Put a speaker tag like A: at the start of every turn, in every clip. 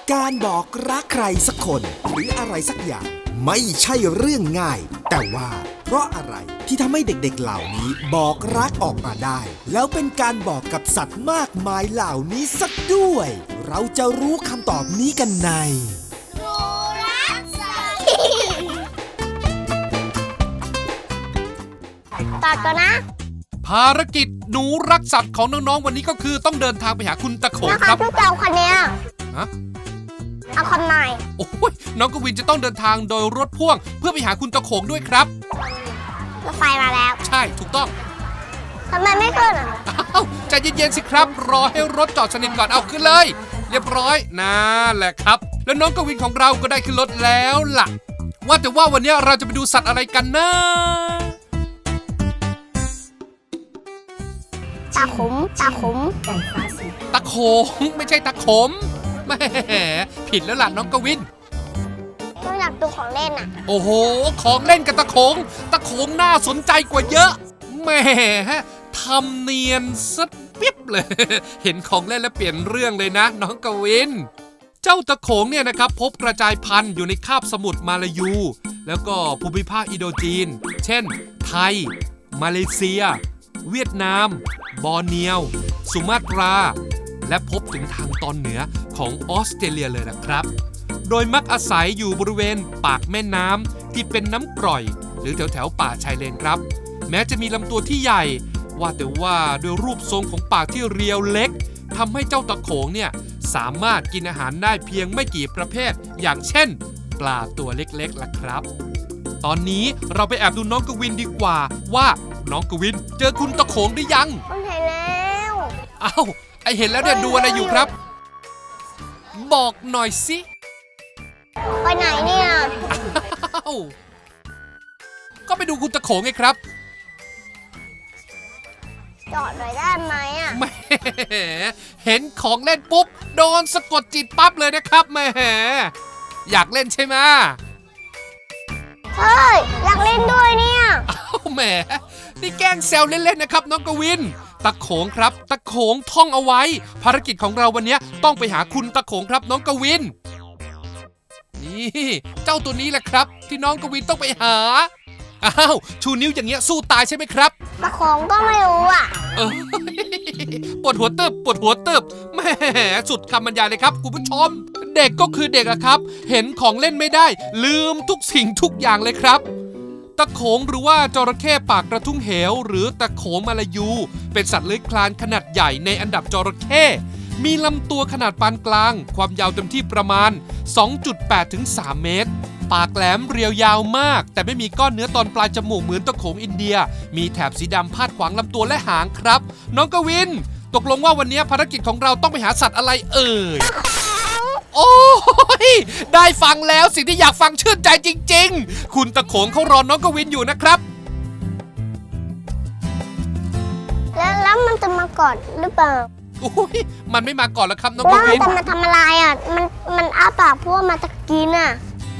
A: การบอกรักใครสักคนหรืออะไรสักอย่างไม่ใช่เรื่องง่าย แต่ว่าเพราะอะไรที่ทำให้เด็กๆเหล่านี้บอกรักออกมาได้ แล้วเป็นการบอกกับสัตว์มากมายเหล่านี้สักด้วย เราจะรู้คำตอบนี้กันใน
B: รู้รักสัตว์ต่อก่อนนะ
C: ภารกิจหนูรักสัตว์ของน้องๆวันนี้ก็คือต้องเดินทางไปหาคุณตะโขงครับ
B: ทุกเจ้าคนเนี้ย
C: ฮะ
B: เอาคนใหม่
C: โอ้ยน้องกวินจะต้องเดินทางโดยรถพ่วงเพื่อไปหาคุณตะโขงด้วยครับ
B: รถไฟมาแล้ว
C: ใช่ถูกต้อง
B: ทำไมไม่ขึ้นอ่ะ
C: อ้าวใจเย็นๆสิครับรอให้รถจอดสนิทก่อนเอาขึ้นเลยเรียบร้อยนั่นแหละครับแล้วน้องกวินของเราก็ได้ขึ้นรถแล้วล่ะว่าแต่ว่าวันนี้เราจะไปดูสัตว์อะไรกันนะ
B: ตาขมตาขม
C: ตะโขงไม่ใช่ตะขมแหมผิดแล้วล่ะน้องกวิน
B: ไม่อยากดูของเล่นอ่ะ
C: โอ้โหของเล่นกับตะโขงน่าสนใจกว่าเยอะแหมทำเนียนซะปิ๊บเลยเห็นของเล่นแล้วเปลี่ยนเรื่องเลยนะน้องกวินเจ้าตะโขงเนี่ยนะครับพบกระจายพันธุ์อยู่ในคาบสมุทรมาลายูแล้วก็ภูมิภาคอินโดจีนเช่นไทยมาเลเซียเวียดนามบอร์เนียวสุมาตราและพบถึงทางตอนเหนือของออสเตรเลียเลยนะครับโดยมักอาศัยอยู่บริเวณปากแม่น้ำที่เป็นน้ำกร่อยหรือแถวป่าชายเลนครับแม้จะมีลำตัวที่ใหญ่ว่าแต่ว่าด้วยรูปทรงของปากที่เรียวเล็กทำให้เจ้าตะโขงเนี่ยสามารถกินอาหารได้เพียงไม่กี่ประเภทอย่างเช่นปลาตัวเล็กๆล่ะครับตอนนี้เราไปแอบดูน้องกวินดีกว่าว่าน้องกวินเจอคุณตะโขงหรือยัง
B: เห็นแล้ว
C: อ้าวไอเห็นแล้วเนี่ยดูอะไรอยู่ครับบอกหน่อยสิ
B: ไปไหนเนี่ย
C: อ้าวก็ไปดูคุณตะโขงไงครับ
B: จอดหน่อยได้ไหมอ่ะ
C: แหมเห็นของเล่นปุ๊บโดนสะกดจิตปั๊บเลยนะครับแหมอยากเล่นใช่ไหม
B: เฮ้ยอยากเล่นด้วยเนี่ย
C: อ้าวแหมนี่แกล้งแซวเล่นๆนะครับน้องกวินตะโขงครับตะโขงท่องเอาไว้ภารกิจของเราวันนี้ต้องไปหาคุณตะโขงครับน้องกวินนี่เจ้าตัวนี้แหละครับที่น้องกวินต้องไปหาอ้าวชูนิ้วอย่างเงี้ยสู้ตายใช่ไหมครับ
B: ตะโขงก็ไม่รู้อ่ะ
C: ปวดหัวตึบแหมสุดคำบรรยายเลยครับคุณผู้ชมเด็กก็คือเด็กอะครับเห็นของเล่นไม่ได้ลืมทุกสิ่งทุกอย่างเลยครับตะโขงหรือว่าจระเข้ปากกระทุ้งเหวหรือตะโขงมาลายูเป็นสัตว์เลื้อยคลานขนาดใหญ่ในอันดับจระเข้มีลำตัวขนาดปานกลางความยาวเต็มที่ประมาณ 2.8 ถึง 3 เมตรปากแหลมเรียวยาวมากแต่ไม่มีก้อนเนื้อตอนปลายจมูกเหมือนตะโขงอินเดียมีแถบสีดำพาดขวางลำตัวและหางครับน้องกวินตกลงว่าวันนี้ภารกิจของเราต้องไปหาสัตว์อะไรเอ่ยโอ้ยได้ฟังแล้วสิ่งที่อยากฟังชื่นใจจริงๆคุณตะโขงเขารอน้องกวินอยู่นะครับ
B: แล้วมันจะมาก่อนหรือเปล่า
C: โอ้ยมันไม่มาก่อนแล้วครับน้องกวิน
B: แล้วมันจะมาทำอะไรอ่ะมันอ้าปากเพราะว่ามันจะกินอ่ะ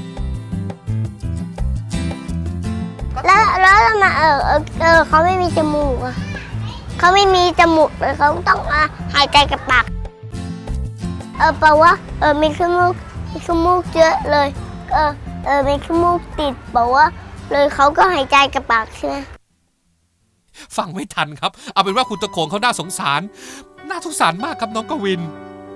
B: แล้วมาเขาไม่มีจมูกอ่ะเขาไม่มีจมูกเลยเขาต้องหายใจกับปากแปลว่ามีขี้มูกเยอะเลยมีขี้มูกติดบอกว่าเลยเขาก็หายใจกับปากใช่ไหม
C: ฟังไม่ทันครับเอาเป็นว่าคุณตะโขงเขาน่าสงสารมากครับน้องกวิน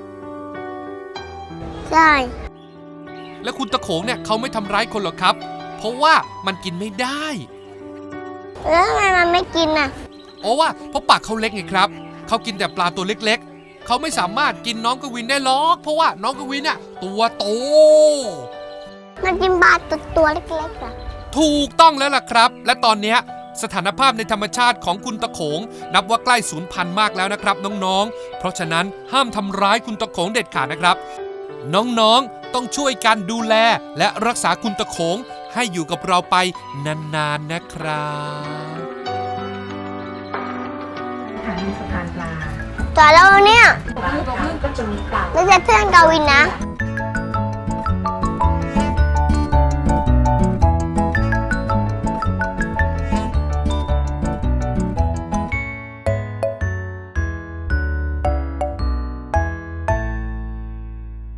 B: ใช่
C: และคุณตะโขงเนี่ยเขาไม่ทำร้ายคนหรอกครับเพราะว่ามันกินไม่ได้
B: แล้วทำไมมันไม่กินอ่ะ
C: เพราะปากเขาเล็กไงครับเขากินแต่ปลาตัวเล็กๆเขาไม่สามารถกินน้องกวินได้หรอกเพราะว่าน้องกวินเนี่ยตัวโต
B: มันกินปลาตัวเล็กๆอ่ะ
C: ถูกต้องแล้วล่ะครับและตอนเนี้ยสถานภาพในธรรมชาติของคุณตะโขงนับว่าใกล้สูญพันธุ์มากแล้วนะครับน้องๆเพราะฉะนั้นห้ามทำร้ายคุณตะโขงเด็ดขาดนะครับน้องๆต้องช่วยกันดูแลและรักษาคุณตะโขงให้อยู่กับเราไปนานๆนะครับ
B: สถานปลาจอดแล้วเนี่ยไม่ใช่เพื่อนกวินนะ